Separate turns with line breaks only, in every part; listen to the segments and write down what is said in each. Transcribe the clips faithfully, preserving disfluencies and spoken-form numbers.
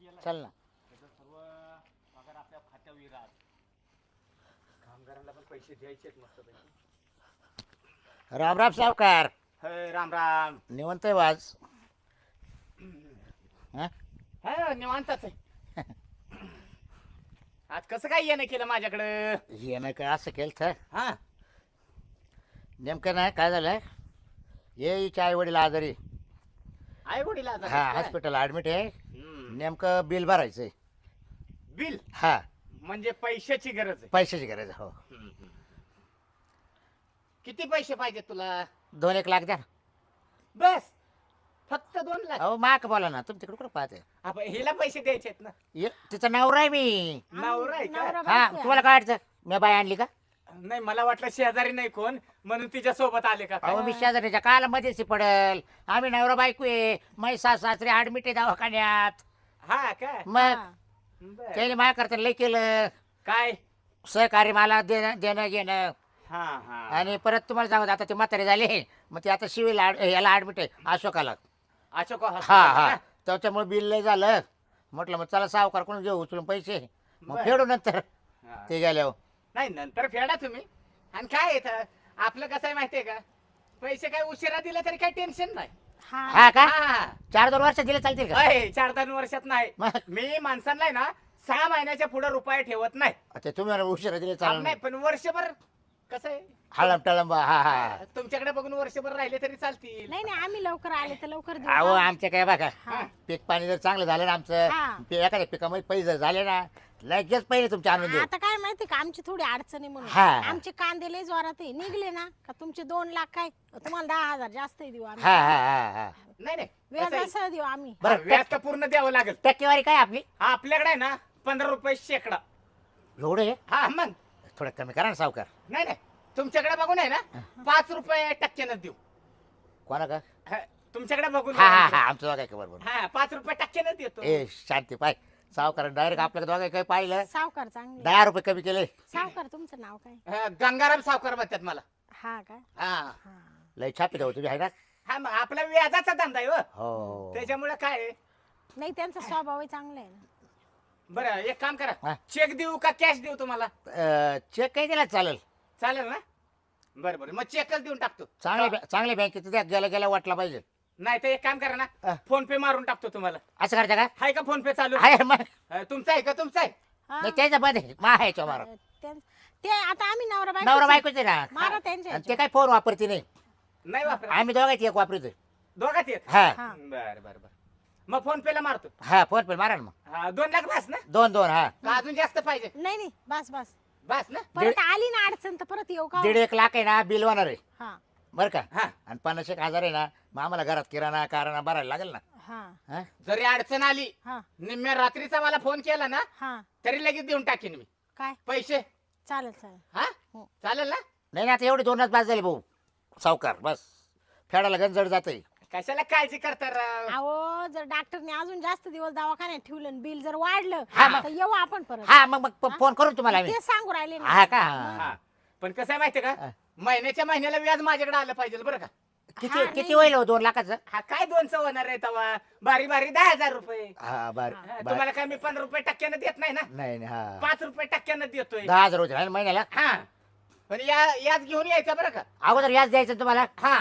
चल ना.
त्याचं सर्व पगार आपल्या खात्यावर येईल आज. कामगारांना पण पैसे द्यायचे आहेत मस्त पैकी.
राम राम सावकार.
हे राम राम.
निवंत आहे वाज. हा
हा निवांतच आहे. आज कसं काय येणं केलं माझ्याकडं?
हे नाही काय असं केलं तर
हा
नेमकं नाही काय झालं. ये हिचे आई वडील आजारी.
आई वडील आजारी
हा
आहेत काय?
हॉस्पिटल ऍडमिट आहे.
हम्म.
नेमकं बिल भरायचंय.
बिल
हा
म्हणजे पैशाची गरज आहे.
पैशाची गरज आहे, हो.
हम्म, हम्म. किती पैसे पाहिजे तुला?
दोन एक लाख द्या ना.
बस फक्त दोन लाख?
अहो माक बोला ना, तुम्ही तिकडे कुठं पाहते.
आपण हिला पैसे द्यायचे आहेत ना.
ये तिचं नवरा आहे मी.
नवरा आहे का?
नवरा
हा
बायको आहे.
तुम्हाला काय वाटतं मी बाय आणली का?
नाही मला वाटलं शेजारी नाही कोण म्हणून तिच्या सोबत आले का काय?
अहो मी शेजारीच्या काल मध्येच पडल. आम्ही नवरा बायको आहे. मै सास सासरे ऍडमिट आहे दवाखान्यात.
हा का?
मग
हा.
बरं.
त्याने माझ्या करता लय केलं.
काय?
सहकार्य मला देणं देणं घेणं.
हा हा
आणि परत तुम्हाला सांगत आता ते म्हातारे झाले. मग ते आता शिवील याला ऍडमिट आहे अशोकाला.
अशोक
हा
hospital
हा
का?
त्याच्यामुळे बिल लय झालं. म्हटलं मग चला सावकार कोण घेऊ उचलून पैसे. मग
बरं.
फेडू नंतर
हा.
ते गेल्यावर.
नाही नंतर फेडा तुम्ही. आणि काय येतं आपलं कसं आहे माहितीये का? पैसे काय उशिरा दिले तरी काही टेन्शन नाही.
हा.
हा का
हा.
चार दोन वर्ष दिले चालतील का?
अय, चार दोन वर्षात नाही.
मग
मी माणसांना आहे ना सहा महिन्याच्या पुढे रुपये ठेवत नाही.
अच्छा तुम्ही म्हणा उशिरा दिले
आप
चालेल.
नाही पण वर्षभर कसं आहे
हळम टळम हा हा.
तुमच्याकडे बघून वर्षभर राहिले तरी चालतील.
नाही नाही आम्ही लवकर आले तर लवकर देऊ.
अहो आमच्या काय बघा
हा.
पीक पाणी जर चांगलं झालं ना आमचं
हा.
ते एखाद्या पिकामध्ये पैसे जर झाले ना लगेच पहिले तुमचे आणून देऊ.
आता काय माहिती का आमची थोडी अडचणी म्हणून
हा.
आमचे कांदे लय जोरात आहे निघले ना का तुमचे दोन लाख काय तुम्हाला दहा हजार जास्त देऊ आम्ही.
हा हा हा हा.
नाही नाही
व्याज
कसं आहे,
असं देऊ आम्ही.
बरं,
हा, व्याज तर पूर्ण द्यावं लागेल.
टक्केवारी काय आपली
आपल्याकडे आहे ना पंधरा रुपये शेकडा.
एवढे आहे?
हा मग
थोडं कमी करा ना सावकार.
नाही नाही तुमच्याकडे बघून आहे ना पाच रुपये टक्क्यानं देऊ.
कोणा का?
हा, तुमच्याकडे बघून
हा हा हा आमचं दोघा काय बरोबर.
हा पाच रुपये टक्क्यानं देतो.
ए शांती पाय सावकार डायरेक्ट आपल्या दोघा काय पाहिलं
सावकार चांगले.
दहा रुपये कमी केले.
सावकार तुमचं नाव काय?
हा, गंगाराम सावकार म्हणतात मला.
हा का?
हा
हा.
लय छापी जाऊ तुम्ही आहे ना.
हा मग आपला व्याजाचा धंदा आहे हो.
हो
त्याच्यामुळे काय आहे?
नाही त्यांचा स्वभावही चांगला आहे ना.
बरं एक काम
हा.
करा चेक देऊ का कॅश देऊ तुम्हाला?
अं, चेक काही दिला चालेल.
चालेल ना? बरं बरं मग चेकच देऊन टाकतो.
चांगल्या बॅ- चांगल्या बँकेत द्या गेल्या गेल्या वाटला पाहिजे.
नाही तर एक काम करा ना
हा.
फोन पे मारून टाकतो तुम्हाला.
असं करता का?
आहे का फोन पे चालू?
आहे मग
हा, तुमचा आहे का तुमचा आहे?
हा.
नाही त्याच्या मध्ये मा ह्याच्या मारा.
त्यां- ते आता आम्ही नवरा बायको
नवरा बायकोच आहे ना.
मारा त्यांच्या
आणि ते काय फोन वापरते नाही.
नाही वापर
आम्ही दोघांची एक वापरतोय.
दोघात येत.
हा
हा.
बरं बरं बरं मग फोन पे ला मारतो.
हा फोन पे मारा ना मग.
हा, दोन लाख बस ना?
दोन दोन हा
का अजून जास्त पाहिजे?
नाही नाही बस बस
बस ना?
परत आली ना अडचण तर परत येऊ का?
दीड एक लाख आहे ना बिल होणार आहे
हा
बरं का.
हा
आणि पन्नास एक हजार आहे ना मग आम्हाला घरात किराणा कारणा भरायला लागेल ना.
हा
हा?
जरी अडचण आली
हा
निम्म्या रात्रीचा मला फोन केला ना
हा
तरी लगेच देऊन टाकेन मी
काय
पैसे.
चालेल चालेल.
हा
हो.
चालेल ना?
नाही ना आता एवढे दोनच बाद झाले भाऊ. सावकार बस फेडायला गंजड जाते.
कशाला काळजी करता राव?
अहो जर डॉक्टरने अजून जास्त दिवस दवाखान्यात ठेवलं बिल जर वाढलं
हा, मग-
तर येऊ आपण परत.
हा मग मग प-
हा?
फोन करून तुम्हाला आम्ही.
ते सांगू राहिले ना.
हा का?
हा पण कसं आहे माहितीये
हा.
का महिन्याच्या महिन्याला व्याज माझ्याकडे आलं पाहिजे बरं का.
किती
हा,
किती
नाही.
होईल हो दोन लाखाचं?
हा काय दोनचं होणार आहे तवा बारी बारी दहा हजार रुपये.
हा बर
हा,
बर.
तुम्हाला काय मी पंधरा रुपये टक्क्यानं देत नाही ना?
नाही नाही, हा
पाच रुपये टक्क्यानं देतोय.
दहा हजार होते ना महिन्याला.
हा पण या याच घेऊन यायचं बरं का.
अगोदर याच द्यायचं तुम्हाला.
हा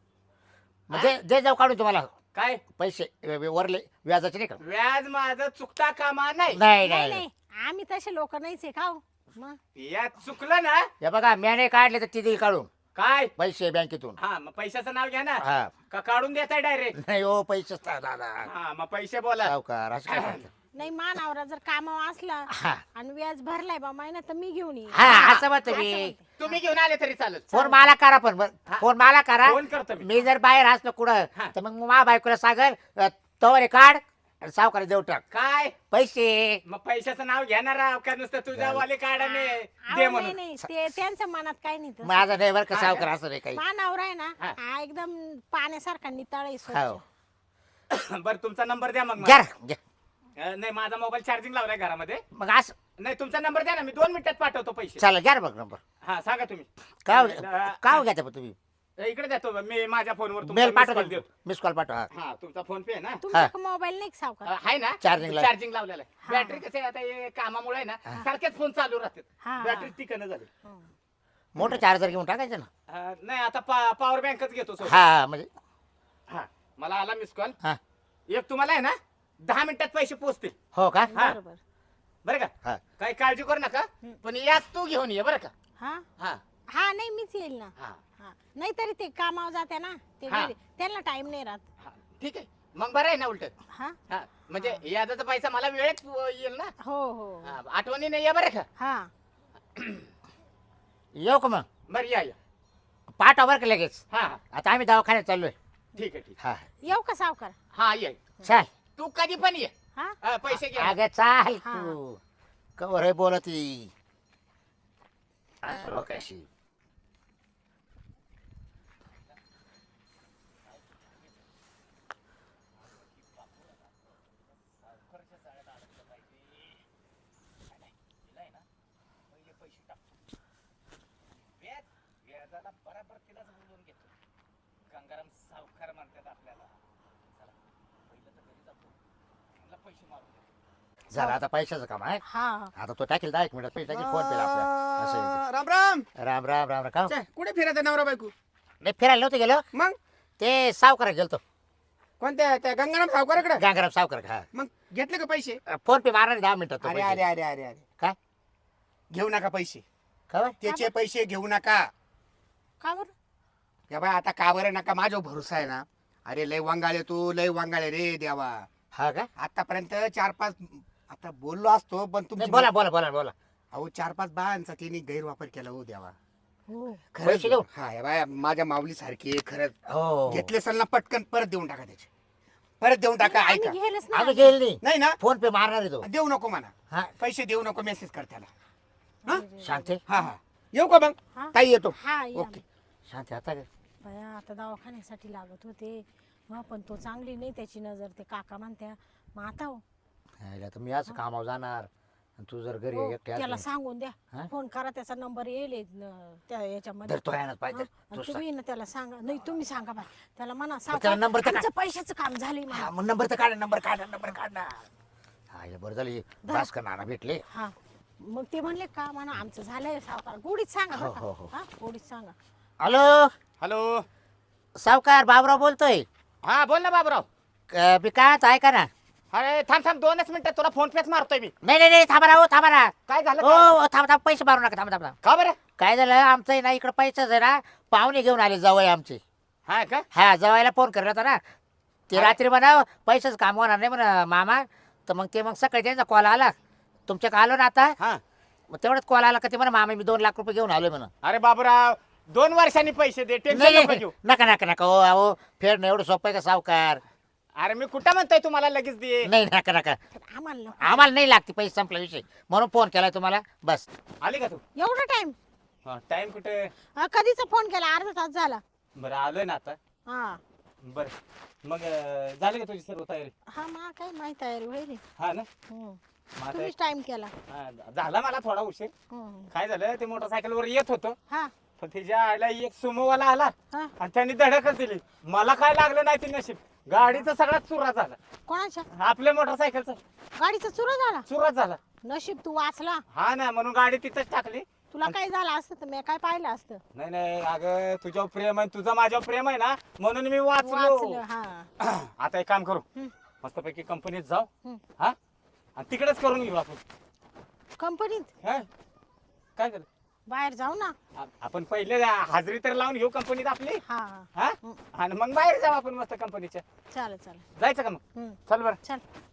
म्हणजे दे जाऊ काढून तुम्हाला
काय
पैसे व- व- वरले व्याजाचे नाही का?
व्याज माझं चुकता कामा नाही.
नाही
नाही
नाही
नाही आम्ही तसे लोक नाहीच आहे का हो? मग
यात चुकलं ना
हे बघा म्याने काढले तर ती देईल काढून
काय.
पैसे बँकेतून.
हा मग पैशाचं नाव घ्या ना
हा
का काढून देताय डायरेक्ट?
नाही हो पैसे दादा
हा मग पैसे बोला.
सावकार असं काय करता?
नाही मानावरा जर कामावर असला
हा
आणि व्याज भरलाय बा महिना तर मी घेऊन येईन.
हा असं मत
असं
मी.
म्हणते.
तुम्ही घेऊन आले तरी चालेल.
फोन मला करा पण बरं.
हा.
फोन मला करा.
फोन करतो मी.
मी जर बाहेर असलो कुठं
हा.
तर मग मा बायकोला सागर तवरे काढ आणि सावकार देऊ टाक
काय
पैसे.
मग पैशाचं नाव घेणार राव का नुसतं तुझ्या वाले काढाने
अहो,
दे
नाही
म्हणून?
नाही ते त्यांच्या मनात काही नाही तसं.
माझा नाही बरं का
हा,
सावकार असं नाही काही.
मानावर आहे ना
हा.
हा एकदम पाण्यासारखा नितळ आहे स्वच्छ.
हो
बरं तुमचा नंबर द्या मग
घ्या
मला.
घ्या.
अं, नाही माझा मोबाईल चार्जिंग लावलाय घरामध्ये.
मग असं
नाही तुमचा नंबर द्या ना मी दोन मिनिटात पाठवतो पैसे.
चला घ्या ना मग नंबर.
हा सांगा तुम्ही.
काय
अं,
काय घ्या पण तुम्ही.
इकडे देतो मी माझ्या फोनवर
मेल पाठवतो
देतो.
मिस कॉल पाठवा
हा तुमचा फोन पे आहे ना
तुमचा मोबाईल नाही का सावकार?
आहे ना
Charging ला.
चार्जिंग लावलेला आहे.
हा.
बॅटरी कसे आता हे कामामुळे आहे ना सारखेच फोन चालू राहतात
हा.
बॅटरी टिकणं झाली
हं.
मोठं चार्जर घेऊन टाकायचं ना.
अं, नाही आता पा- पॉवर बँकच घेतो सोबत.
हा म्हणजे
हा मला आला मिस कॉल
हा
एक तुम्हाला आहे ना दहा मिनिटात पैसे पोहोचतील
हो का
हा.
बरोबर.
बरं का
हा
काही काळजी करू नका
हं.
पण याच तू घेऊन ये बरं का
हा
हा
हा नाही मीच येईल ना.
हा
हा नाही तरी ते कामावर जाते ना ते
हा.
घरी. त्यांना टाइम नाही राहत.
हा ठीक आहे मग बरं आहे ना उलट
हा
हा म्हणजे याचा पैसा मला वेळेत येईल ना
हो हो
हा, आठवणीने या बरं का
हा
येऊ का मग
बरं या या
पाठवा बरं का लगेच.
हा हा
आता आम्ही दवाखान्यात चाललोय.
ठीक आहे ठीक
हा
येऊ का सावकार?
हा ये
चाल
तू कधी पण ये
हा
हा, पैसे घे
अगं चाल
हा.
तू कवर आहे बोलती कशी
व्याजाला बराबर तिलाच बोलवून घेतो गंगाराम सावकार म्हणतात आपल्याला चला पहिलं तर घरी जातो त्यांना पैसे मारून देतो.
झालं आता पैशाचं काम आहे.
हा
आता तो टाकेल दहा एक मिनिटात पैसे टाकेल फोन पेला आपल्या असं आहे
राम राम
ते. राम राम राम राम का
छे, कुठे फिरायचं नवरा बायको
नाही फिरायला नव्हतं गेलो
मग
ते सावकार गेलतो
कोणत्या त्या गंगाराम सावकाराकडे
गांगराम सावकार हा
मग घेतले का पैसे
फोन पे मारणार दहा मिनिटात तो
अरे
पैसे.
अरे अरे अरे अरे
काय
घेऊ नका पैसे
काय
त्याचे पैसे घेऊ नका
का बरं?
या बाय आता का बरं नका माझ्यावर भरोसा आहे ना. अरे लय वांगाळे तू लय वांगाळे रे देवा.
हा का
आतापर्यंत चार पाच आता बोललो असतो पण
नाही
तुम्ही
बोला बोला बोला बोला
अहो चार पाच बायांचा तिने गैरवापर केला हो देवा.
हो
पैसे देऊ?
हा या बाय माझ्या माऊली सारखी खरंच
हो
घेतले असेल ना पटकन परत देऊन टाका त्याचे परत देऊन टाका
आम्ही
ऐका
घ्यायलाच
आम्ही
नाही.
गेल नाही
नाही ना
फोन पे मारणार आहे तो
देऊ नको म्हणा
हा
पैसे देऊ नको मेसेज कर त्याला हा
शांती
हा हा येऊ का मग
हा?
ताई येतो
हा या.
ओके
शांती आता काय?
बया आता दवाखान्यासाठी लागत होते मग पण तो चांगली नाही त्याची नजर ते काका म्हणत्या मग आता हो.
हायला तर मी असं कामावर जाणार आणि तू जर घरी
हो,
एकटी
त्याला
असली
सांगून द्या
हा?
फोन करा त्याचा नंबर येईल हे, न, त्या याच्यामध्ये
तर तो यायलाच पाहिजे
हा? आणि
तू
तुम्ही ना त्याला सांगा नाही तुम्ही सांगा बा त्याला म्हणा
त्याला
सावकार,
number तर
आमचं पैशाचं काम झालंय
हा
म्हणा.
मग नंबर तर काढ नंबर काढ नंबर काढ ना हा हे बरं झाली भास्कर नाना भेटले
हा मग ते म्हणले का म्हणा आमचं झालंय सावकार गोडीत सांगा
हो,
बरं
हो,
का?
हो.
हा गोडीत सांगा.
हॅलो
हॅलो
सावकार बाबराव बोलतोय
हा बोल ना बाबराव
क- मी काय आता ऐका ना
अरे थांब थांब दोनच मिनिटं तुला फोन पेच मारतोय मी
नाही नाही नाही थांबा ना हो थांबा ना
काय झालं
हो
काय?
हो, थांबा थांबा पैसे मारू नका थांबा थांबा
का बरं
काय झालं आमचं आहे ना इकडं पैसाच आहे ना पाहुणे घेऊन आले जवळ आमचे
हा का
हा जवायला फोन करला होता ना ते
अरे.
रात्री म्हणा पैसाच काम होणार नाही म्हणा मामा तर मग ते मग सकाळी त्यांचा कॉल आला तुमच्या आलो ना आता
हा
मग तेवढंच कॉल आला का ते म्हणा मामा मी दोन लाख रुपये घेऊन आलोय म्हणा
अरे बाबूराव दोन वर्षांनी पैसे दे
नाही
टेन्शन नको
नाही,
घेऊ
नका नका नका हो अहो फेड एवढं सोपं आहे का सावकार
अरे मी कुठं म्हणतोय तुम्हाला लगेच दे
नाही नका नका
तर आम्हाला नको.
आम्हाला नाही लागते पैसे संपला विषय म्हणून फोन केलाय तुम्हाला बस
आली का तू
एवढा टाइम
टाइम कुठे
कधीचा फोन केला अर्धा तास झाला.
बरं आलोय ना आता
हा
बर मग अं, झाली का तुझी सर्व तयारी
हा मला काय माहित तयारी होईल
हा ना
हम्म.
मग आता
तुम्हीच टाइम केला.
हा, झाला मला थोडा उशीर
हम्म.
काय झालं ते मोटरसायकल वर येत होतो
हा
पण तिच्या आईला एक सुमोवाला आला
हा
आणि त्यांनी धडकच दिली मला काय लागलं नाही ते नशीब गाडीचा सगळा चुरा झाला
कोणाच्या
आपल्या मोटरसायकलचा
गाडीचा चुरा झाला.
चुरा झाला
नशीब तू वाचला.
हा ना म्हणून गाडी तिथंच टाकली
तुला काय झालं असतं तर मी काय पाहिलं असतं.
नाही नाही अगं तुझ्यावर प्रेम आहे तुझं माझ्यावर प्रेम आहे ना म्हणून मी
वाचलं
वाचलो
हा
आता एक काम करू
हम्म.
मस्तपैकी कंपनीत जाऊ
हम्म.
हा आणि तिकडेच करून घेऊ आपण
कंपनीत
हा? काय झालं
बाहेर जाऊ ना.
आ- आपण पहिले हाजरी तर लावून घेऊ कंपनीत आपली
हा
हा आणि मग बाहेर जाऊ आपण मस्त कंपनीच्या
चालेल चालेल
जायचं का मग
हम्म.
चल बरं
चल